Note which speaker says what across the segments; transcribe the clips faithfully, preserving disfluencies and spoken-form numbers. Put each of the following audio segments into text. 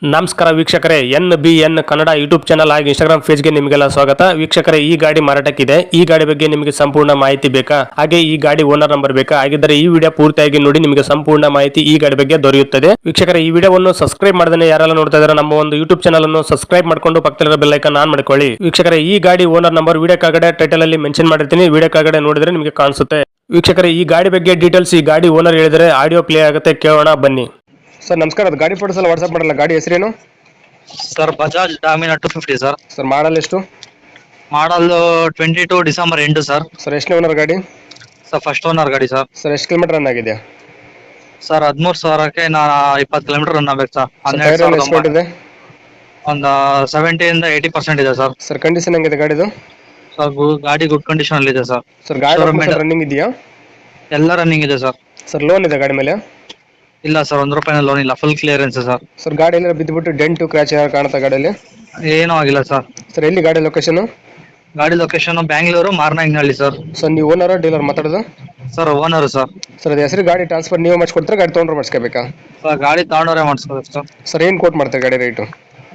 Speaker 1: ನಮಸ್ಕಾರ ವೀಕ್ಷಕರೇ, N B N Kannada YouTube channel ಹಾಗೂ ಇನ್ಸ್ಟಾಗ್ರಾಮ್ ಪೇಜ್ಗೆ ನಿಮಗೆಲ್ಲ ಸ್ವಾಗತ. ವೀಕ್ಷಕರೇ, ಈ ಗಾಡಿ ಮಾರಾಟಕ್ಕಿದೆ. ಈ ಗಾಡಿ ಬಗ್ಗೆ ನಿಮಗೆ ಸಂಪೂರ್ಣ ಮಾಹಿತಿ ಬೇಕಾ, ಹಾಗೆ ಈ ಗಾಡಿ ಓನರ್ ನಂಬರ್ ಬೇಕಾ? ಹಾಗಿದ್ದರೆ ಈ ವಿಡಿಯೋ ಪೂರ್ತಿಯಾಗಿ ನೋಡಿ, ನಿಮಗೆ ಸಂಪೂರ್ಣ ಮಾಹಿತಿ ಈ ಗಾಡಿ ಬಗ್ಗೆ ದೊರೆಯುತ್ತದೆ. ವೀಕ್ಷಕರೇ, ಈ ವಿಡಿಯೋವನ್ನು ಸಬ್ಸ್ಕ್ರೈಬ್ ಮಾಡದೇ ಯಾರೆಲ್ಲ ನೋಡ್ತಾ ಇದ್ದಾರೆ ನಮ್ಮ ಒಂದು ಯೂಟ್ಯೂಬ್ ಚಾನಲ್ ಅನ್ನು ಸಬ್ಸ್ಕ್ರೈಬ್ ಮಾಡ್ಕೊಂಡು ಪಕ್ಕದಲ್ಲಿರೋ ಬೆಲ್ ಐಕಾನ್ ಆನ್ ಮಾಡ್ಕೊಳ್ಳಿ. ವೀಕ್ಷಕರೇ, ಈ ಗಾಡಿ ಓನರ್ ನಂಬರ್ ವಿಡಿಯೋ ಕೆಳಗಡೆ ಟೈಟಲ್ ಅಲ್ಲಿ ಮೆನ್ಷನ್ ಮಾಡಿರ್ತೀನಿ, ವಿಡಿಯೋ ಕೆಳಗಡೆ ನೋಡಿದ್ರೆ ನಿಮಗೆ ಕಾಣಿಸುತ್ತೆ. ವೀಕ್ಷಕರೇ, ಈ ಗಾಡಿ ಬಗ್ಗೆ ಡೀಟೇಲ್ಸ್ ಈ ಗಾಡಿ ಓನರ್ ಹೇಳಿದರೆ ಆಡಿಯೋ ಪ್ಲೇ ಆಗುತ್ತೆ, ಕೇಳೋಣ ಬನ್ನಿ. ಸರ್ ನಮಸ್ಕಾರ, ಅದು ಗಾಡಿ ಫೋಟೋಸ್ ಎಲ್ಲ ವಾಟ್ಸ್ಆಪ್ ಮಾಡಲ್ಲ. ಗಾಡಿ ಹೆಸರೇನು
Speaker 2: ಸರ್? Bajaj Dominar two fifty sir.
Speaker 1: Sir model ಎಷ್ಟು?
Speaker 2: ಮಾಡಲ್ ಟ್ವೆಂಟಿ ಟು ಡಿಸೆಂಬರ್ ಎಂಟು ಸರ್.
Speaker 1: ಸರ್ ಎಷ್ಟು ಓನರ್ ಗಾಡಿ?
Speaker 2: ಸರ್ ಫಸ್ಟ್ ಓನರ್ ಗಾಡಿ ಸರ್.
Speaker 1: ಸರ್ ಎಷ್ಟು ಕಿಲೋಮೀಟರ್ ರನ್ ಆಗಿದೆ?
Speaker 2: ಸರ್ ಹದಿಮೂರು ಸಾವಿರಕ್ಕೆ ನಾ ಇಪ್ಪತ್ತು ಕಿಲೋಮೀಟರ್ ರನ್ ಆಗ್ಬೇಕು ಸರ್. ಹನ್ನೆರಡು
Speaker 1: ಟೈರ್
Speaker 2: ಸಾವಿರದ
Speaker 1: ಎಸ್ಪೆಕ್ಟ್ ಇದೆ?
Speaker 2: ಒಂದು ಸೆವೆಂಟಿಯಿಂದ ಏಯ್ಟಿ ಪರ್ಸೆಂಟ್ ಇದೆ ಸರ್.
Speaker 1: ಸರ್ ಕಂಡೀಷನ್ ಹೆಂಗಿದೆ ಗಾಡಿದು?
Speaker 2: ಸರ್ ಗು- ಗಾಡಿ ಗುಡ್ ಕಂಡೀಷನ್ ಅಲ್ಲಿ ಇದೆ ಸರ್.
Speaker 1: ಸರ್ ಗಾಡಿ
Speaker 2: Showroom ಇದೆ.
Speaker 1: ರನ್ನಿಂಗ್ ಇದೆಯಾ?
Speaker 2: ಎಲ್ಲ ರನ್ನಿಂಗ್ ಇದೆ ಸರ್.
Speaker 1: ಸರ್ ಲೋನ್ ಇದೆ ಗಾಡಿ ಮೇಲೆ?
Speaker 2: ಇಲ್ಲ ಸರ್, ಒಂದು ರೂಪಾಯಿನ ಲೋನ್ ಇಲ್ಲ, ಫುಲ್ ಕ್ಲಿಯರೆನ್ಸ್ ಸರ್.
Speaker 1: ಸರ್ ಗಾಡಿ ಎಲ್ಲ ಬಿದ್ದುಬಿಟ್ಟು ಡೆಂಟು ಕ್ರ್ಯಾಚ್ ಏನಾದ್ರು ಕಾಣುತ್ತಾ ಗಾಡಿಯಲ್ಲಿ?
Speaker 2: ಏನೂ ಆಗಿಲ್ಲ ಸರ್.
Speaker 1: ಸರ್ ಎಲ್ಲಿ ಗಾಡಿ ಲೊಕೇಶನ್?
Speaker 2: ಗಾಡಿ ಲೊಕೇಶನ್ ಬ್ಯಾಂಗ್ಳೂರು ಮಾರ್ನಾಂಗ್ನಹಳ್ಳಿ ಸರ್.
Speaker 1: ಸರ್ ನೀವು ಓನರ್ ಡೀಲರ್ ಮಾತಾಡೋದು?
Speaker 2: Sir owner sir.
Speaker 1: ಸರ್ ಅದು ಹೆಸರು ಗಾಡಿ ಟ್ರಾನ್ಸ್ಫರ್ ನೀವು ಮಾಡಿಸ್ಕೊಡ್ತಾರೆ, ಗಾಡಿ ತೊಗೊಂಡ್ರೆ ಮಾಡಿಸ್ಕೋಬೇಕಾ?
Speaker 2: ಸರ್ ಗಾಡಿ ತಗೊಂಡವ್ರೆ ಮಾಡಿಸ್ಕೋಬೇಕು ಸರ್.
Speaker 1: ಸರ್ ಏನು ಕೋಟ್ ಮಾಡ್ತಾರೆ ಗಾಡಿ ರೇಟು?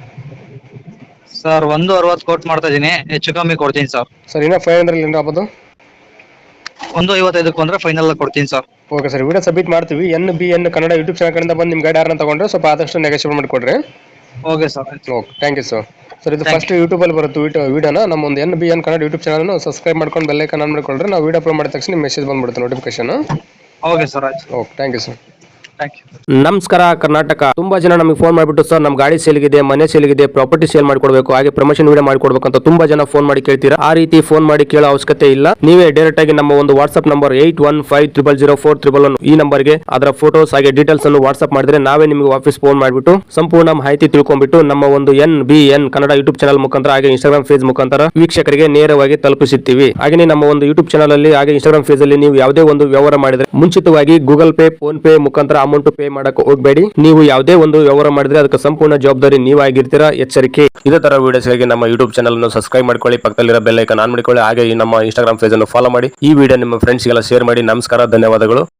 Speaker 2: ಸರ್ ಒಂದು ಅರವತ್ತು ಕೋಟ್ ಮಾಡ್ತಾ ಇದೀನಿ, ಹೆಚ್ಚು ಕಮ್ಮಿ ಕೊಡ್ತೀನಿ ಸರ್.
Speaker 1: ಸರ್ ಇನ್ನೂ ಫೈವ್ ಹಂಡ್ರೆಡ್ ಏನು ಆಗ್ಬೋದು?
Speaker 2: ಒಂದು ಐವತ್ತೈದಕ್ಕೆ ಬಂದ್ರೆ ಫೈನಲ್ ಕೊಡ್ತೀನಿ ಸರ್.
Speaker 1: ಓಕೆ ಸರ್, ವಿಡಿಯೋ ಸಬ್ಮಿಟ್ ಮಾಡ್ತೀವಿ. N B N Kannada YouTube channel ಕಡೆಯಿಂದ ಬಂದು ನಿಮ್ಮ ಗಾಡಿ ಯಾರನ್ನ ತಗೊಂಡ್ರೆ ಸ್ವಲ್ಪ ಆದಷ್ಟು ನೆಗೋಷಿಯೇಟ್ ಮಾಡಿಕೊಡ್ರಿ.
Speaker 2: Okay sir.
Speaker 1: Okay, thank you sir. Sir ಇದು
Speaker 2: Thank
Speaker 1: ಫಸ್ಟ್ ಯೂಟ್ಯೂಬಲ್ಲಿ ಬರುತ್ತೆ ವಿಡಿಯೋ ವಿಡಿಯೋನ ನಮ್ಮ ಒಂದು N B N Kannada YouTube ಚಾನಲ್ನ ಸಬ್ಸ್ಕ್ರೈಬ್ ಮಾಡ್ಕೊಂಡು ಬೆಲ್ ಐಕಾನ್ ಆನ್ ಮಾಡಿಕೊಂಡ್ರೆ ನಾವು ವಿಡಿಯೋ ಅಪ್ಲೋಡ್ ಮಾಡಿದ ತಕ್ಷಣ ನಿಮ್ಮ ಮೆಸೇಜ್ ಬಂದ್ಬಿಡುತ್ತೆ, ನೋಟಿಫಿಕೇಶನ್.
Speaker 2: ಓಕೆ ಸರ್, ಆಯ್ತು.
Speaker 1: Okay, thank you sir.
Speaker 2: Thank you.
Speaker 1: ನಮಸ್ಕಾರ ಕರ್ನಾಟಕ. ತುಂಬಾ ಜನ ನಮಗೆ ಫೋನ್ ಮಾಡಿಬಿಟ್ಟು ಸರ್ ನಮ್ಮ ಗಾಡಿ ಸೇಲ್ಗಿದೆ, ಮನೆ ಸೇಲ್ಗಿದೆ, ಪ್ರಾಪರ್ಟಿ ಸೇಲ್ ಮಾಡ್ಕೊಡ್ಬೇಕು, ಹಾಗೆ ಪ್ರಮೋಷನ್ ವಿಡಿಯೋ ಮಾಡ್ಕೊಡ್ಬೇಕು ಅಂತ ತುಂಬಾ ಜನ ಫೋನ್ ಮಾಡಿ ಕೇಳ್ತೀರಾ. ಆ ರೀತಿ ಫೋನ್ ಮಾಡಿ ಕೇಳೋ ಅವಶ್ಯಕತೆ ಇಲ್ಲ. ನೀವೇ ಡೈರೆಕ್ಟ್ ಆಗಿ ನಮ್ಮ ಒಂದು WhatsApp number eight one five triple zero four triple one ಈ ನಂಬರ್ಗೆ ಅದರ ಫೋಟೋಸ್ ಹಾಗೆ ಡೀಟೇಲ್ಸ್ ಅನ್ನು ವಾಟ್ಸ್ಆಪ್ ಮಾಡಿದ್ರೆ ನಾವೇ ನಿಮಗೆ ವಾಪಸ್ ಫೋನ್ ಮಾಡಿಬಿಟ್ಟು ಸಂಪೂರ್ಣ ಮಾಹಿತಿ ತಿಳ್ಕೊಂಡ್ಬಿಟ್ಟು ನಮ್ಮ ಒಂದು N B N Kannada YouTube channel ಮುಖಾಂತರ ಹಾಗೆ ಇನ್ಸ್ಟಾಗ್ರಾಮ್ ಫೇಸ್ ಮುಖಾಂತರ ವೀಕ್ಷಕರಿಗೆ ನೇರವಾಗಿ ತಲುಪಿಸುತ್ತೀವಿ. ಹಾಗೆ ನಮ್ಮ ಒಂದು ಯೂಟ್ಯೂಬ್ ಚಾನಲ್ ಅಲ್ಲಿ ಹಾಗೆ ಇನ್ಸ್ಟಾಗ್ರಾಮ್ ಫೇಸ್ ಅಲ್ಲಿ ನೀವು ಯಾವುದೇ ಒಂದು ವ್ಯವಹಾರ ಮಾಡಿದ್ರೆ ಮುಂಚಿತವಾಗಿ ಗೂಗಲ್ ಪೇ, ಫೋನ್ ಪೇ ಮುಖಾಂತರ ಅಮೌಂಟ್ ಪೇ ಮಾಡಕ್ಕೆ ಹೋಗಬೇಡಿ. ನೀವು ಯಾವುದೇ ಒಂದು ವ್ಯವಹಾರ ಮಾಡಿದ್ರೆ ಅದಕ್ಕೆ ಸಂಪೂರ್ಣ ಜವಾಬ್ದಾರಿ ನೀವಾಗಿರ್ತೀರಾ, ಎಚ್ಚರಿಕೆ. ಇದೇ ತರ ವಿಡಿಯೋಸ್ಗಾಗಿ ನಮ್ಮ ಯೂಟ್ಯೂಬ್ ಚಾನಲ್ ಅನ್ನು ಸಬ್ಸ್ಕ್ರೈಬ್ ಮಾಡ್ಕೊಳ್ಳಿ, ಪಕ್ಕದಲ್ಲಿರೋ ಬೆಲ್ ಐಕಾನ್ ಆನ್ ಮಾಡಿಕೊಳ್ಳಿ, ಹಾಗೆ ಈ ನಮ್ಮ ಇನ್ಸ್ಟಾಗ್ರಾಮ್ ಪೇಜ್ ಅನ್ನು ಫಾಲೋ ಮಾಡಿ. ಈ ವಿಡಿಯೋ ನಿಮ್ಮ ಫ್ರೆಂಡ್ಸ್ಗೆಲ್ಲ ಶೇರ್ ಮಾಡಿ. ನಮಸ್ಕಾರ, ಧನ್ಯವಾದಗಳು.